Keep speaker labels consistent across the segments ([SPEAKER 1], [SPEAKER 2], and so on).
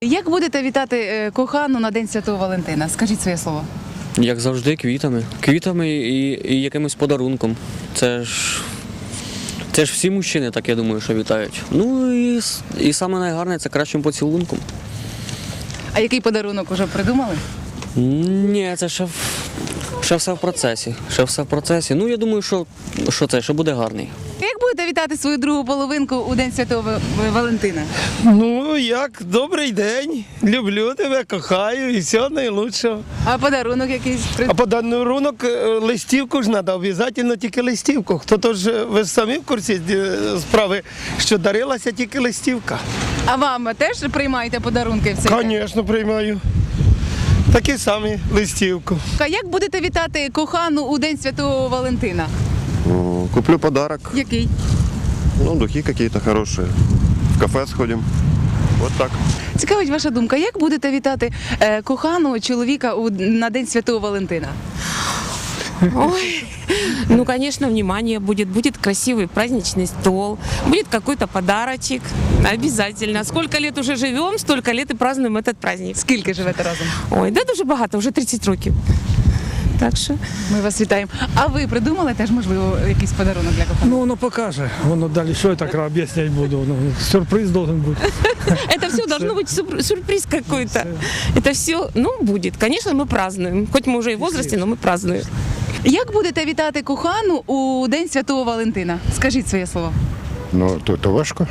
[SPEAKER 1] Як будете вітати кохану на День Святого Валентина? Скажіть своє слово.
[SPEAKER 2] Як завжди, квітами. Квітами і якимось подарунком. Це ж всі мужчини, так я думаю, що вітають. Ну і саме найгарне це кращим поцілунком.
[SPEAKER 1] А який подарунок уже придумали?
[SPEAKER 2] Ні, це ще все в процесі. Ще все в процесі. Ну, я думаю, що буде гарний.
[SPEAKER 1] Як будете вітати свою другу половинку у День Святого Валентина?
[SPEAKER 3] Ну, як добрий день, люблю тебе, кохаю і все найлучшого.
[SPEAKER 1] А подарунок якийсь?
[SPEAKER 3] А подарунок листівку ж треба, обов'язково тільки листівку. Хто то ж, ви ж самі в курсі справи, що дарилася тільки листівка.
[SPEAKER 1] А вам теж приймаєте подарунки в цей день?
[SPEAKER 3] Звісно, приймаю. Такі самі листівку.
[SPEAKER 1] А як будете вітати кохану у День Святого Валентина?
[SPEAKER 4] Куплю подарок,
[SPEAKER 1] Який?
[SPEAKER 4] ну, духи какие-то хорошие. В кафе сходим. Вот так.
[SPEAKER 1] Цікавить ваша думка, як будете вітати коханого чоловіка на День Святого Валентина?
[SPEAKER 5] Ой, ну, конечно, внимание будет красивый праздничный стол, будет какой-то подарочек, обязательно. Сколько лет уже живем, столько лет и празднуем этот праздник.
[SPEAKER 1] Скільки живете разом?
[SPEAKER 5] Ой, да дуже багато, вже 30 років. Так що,
[SPEAKER 1] Ми вас вітаємо. А ви придумали теж, можливо, якийсь подарунок для коханого?
[SPEAKER 6] Ну, воно покаже. Воно далі, що я так об'ясняти буду. Ну, сюрприз должен бути.
[SPEAKER 5] это все должно быть сюрприз какой-то. Это все, ну, будет. Конечно, мы празднуем. Хоть мы уже и в возрасте, но мы празднуем.
[SPEAKER 1] Як будете вітати кохану у День Святого Валентина? Скажіть своє слово.
[SPEAKER 7] Ну, то важко.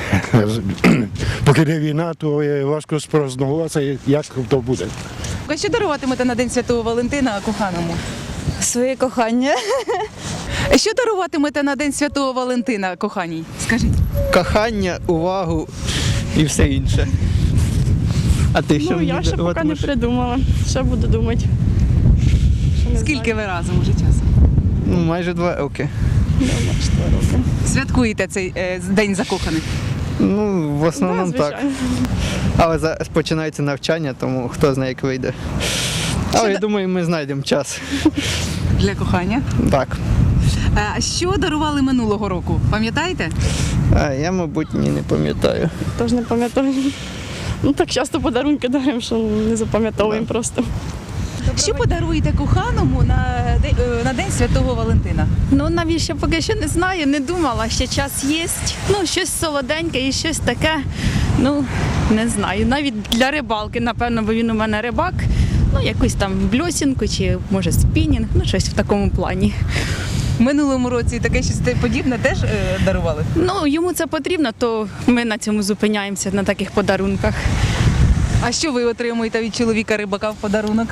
[SPEAKER 7] Поки не війна, то важко спрогнозувати, як то буде.
[SPEAKER 1] А що даруватимете на День Святого Валентина коханому?
[SPEAKER 8] Своє кохання.
[SPEAKER 1] Що даруватимете на День Святого Валентина коханій? Скажіть.
[SPEAKER 9] Кохання, увагу і все інше. А ти що
[SPEAKER 8] Ну,
[SPEAKER 9] мені
[SPEAKER 8] я ще поки не
[SPEAKER 9] даруватимеш?
[SPEAKER 8] придумала. Ще буду думати.
[SPEAKER 1] Скільки ви разом уже часу?
[SPEAKER 9] Ну, майже 2 роки.
[SPEAKER 1] Святкуєте цей День закоханих?
[SPEAKER 9] Ну, в основному так.
[SPEAKER 8] звичайно.
[SPEAKER 9] Але зараз починається навчання, тому хто знає, як вийде. Але я думаю, ми знайдемо час.
[SPEAKER 1] Для кохання.
[SPEAKER 9] Так.
[SPEAKER 1] А що дарували минулого року? Пам'ятаєте?
[SPEAKER 9] А я, мабуть, ні, не пам'ятаю.
[SPEAKER 8] Тож не пам'ятаю. Ну так часто подарунки даримо, що не запам'ятовуємо просто.
[SPEAKER 1] Що подаруєте коханому на День Святого Валентина?
[SPEAKER 8] Ну навіщо поки що не знаю, не думала, ще час є. Ну, щось солоденьке і щось таке. Ну, не знаю. Навіть для рибалки, напевно, бо він у мене рибак. Ну, якусь там бльосінку чи може спінінг, ну щось в такому плані.
[SPEAKER 1] В минулому році таке щось подібне теж дарували?
[SPEAKER 8] Ну, йому це потрібно, то ми на цьому зупиняємося, на таких подарунках.
[SPEAKER 1] А що ви отримуєте від чоловіка рибака в подарунок?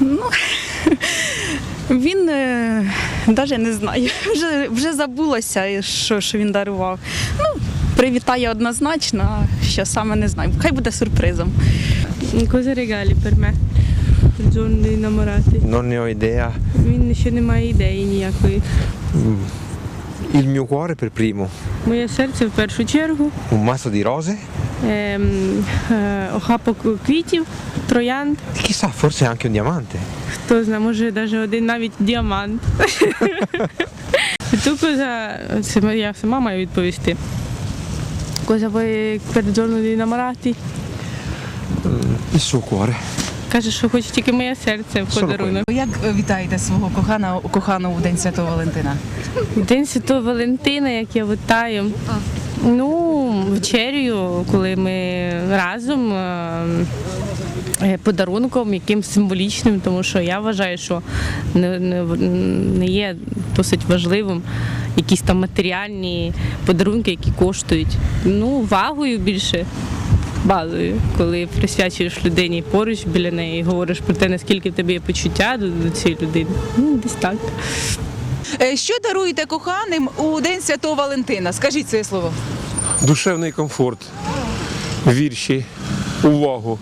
[SPEAKER 8] Він навіть не знаю, вже забулося, що він дарував. Ну, привітає однозначно, а що саме не знаю. Хай буде сюрпризом.
[SPEAKER 10] Cosa regali per me? Il giorno dei innamorati?
[SPEAKER 11] Non ne ho idea.
[SPEAKER 10] Він ще не має ідеї ніякої.
[SPEAKER 11] Il mio cuore per primo.
[SPEAKER 10] Моє серце в першу чергу.
[SPEAKER 11] Un mazzo di rose.
[SPEAKER 10] Охапок квітів, троянд.
[SPEAKER 11] Chissà, forse anche un diamante.
[SPEAKER 10] Хто знає, може навіть один навіть діамант. Ту коза, це я сама маю відповісти. Cosa vuoi per il giorno dei innamorati?
[SPEAKER 11] Il suo cuore.
[SPEAKER 10] Каже, що хоче тільки моє серце в подарунок.
[SPEAKER 1] Як вітаєте свого коханого в День Святого Валентина?
[SPEAKER 10] День Святого Валентина, як я вітаю. Ну, вечерю, коли ми разом, подарунком, якимсь символічним, тому що я вважаю, що не є досить важливим якісь там матеріальні подарунки, які коштують. Ну, увагою більше. Базою, коли присвячуєш людині поруч біля неї і говориш про те, наскільки в тебе є почуття до цієї людини. Ну, десь так.
[SPEAKER 1] Що даруєте коханим у День Святого Валентина? Скажіть своє слово.
[SPEAKER 3] Душевний комфорт, вірші, увагу.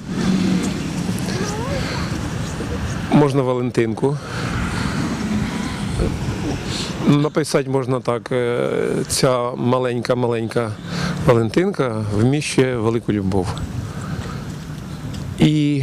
[SPEAKER 3] Можна Валентинку. Написати можна так, ця маленька Валентинка вміщує велику любов. І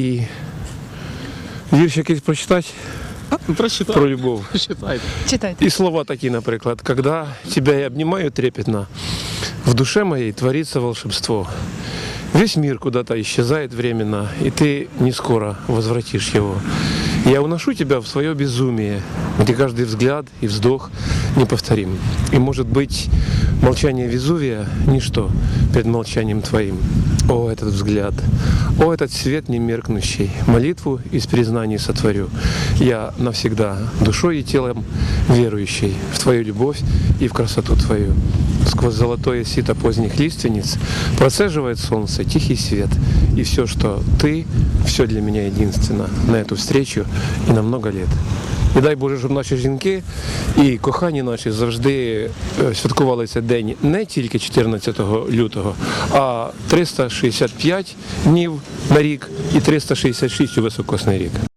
[SPEAKER 3] вірш якийсь прочитати про любов.
[SPEAKER 1] Читайте.
[SPEAKER 3] І слова такі, наприклад. «Когда тебя я обнимаю трепетно, в душе моей творится волшебство.
[SPEAKER 12] Весь мир куда-то исчезает временно, и ты не скоро возвратишь его. Я уношу тебя в свое безумие, где каждый взгляд и вздох неповторим. И, может быть, молчание Везувия – ничто перед молчанием твоим. О, этот взгляд! О, этот свет немеркнущий! Молитву из признаний сотворю. Я навсегда душой и телом верующий в твою любовь и в красоту твою. Сквозь золотое сито поздних лиственниц процеживает солнце тихий свет. И все, что ты, все для меня единственно на эту встречу і на много лет. І дай Боже, щоб наші жінки і кохані наші завжди святкували цей день не тільки 14 лютого, а 365 днів на рік і 366 у високосний рік.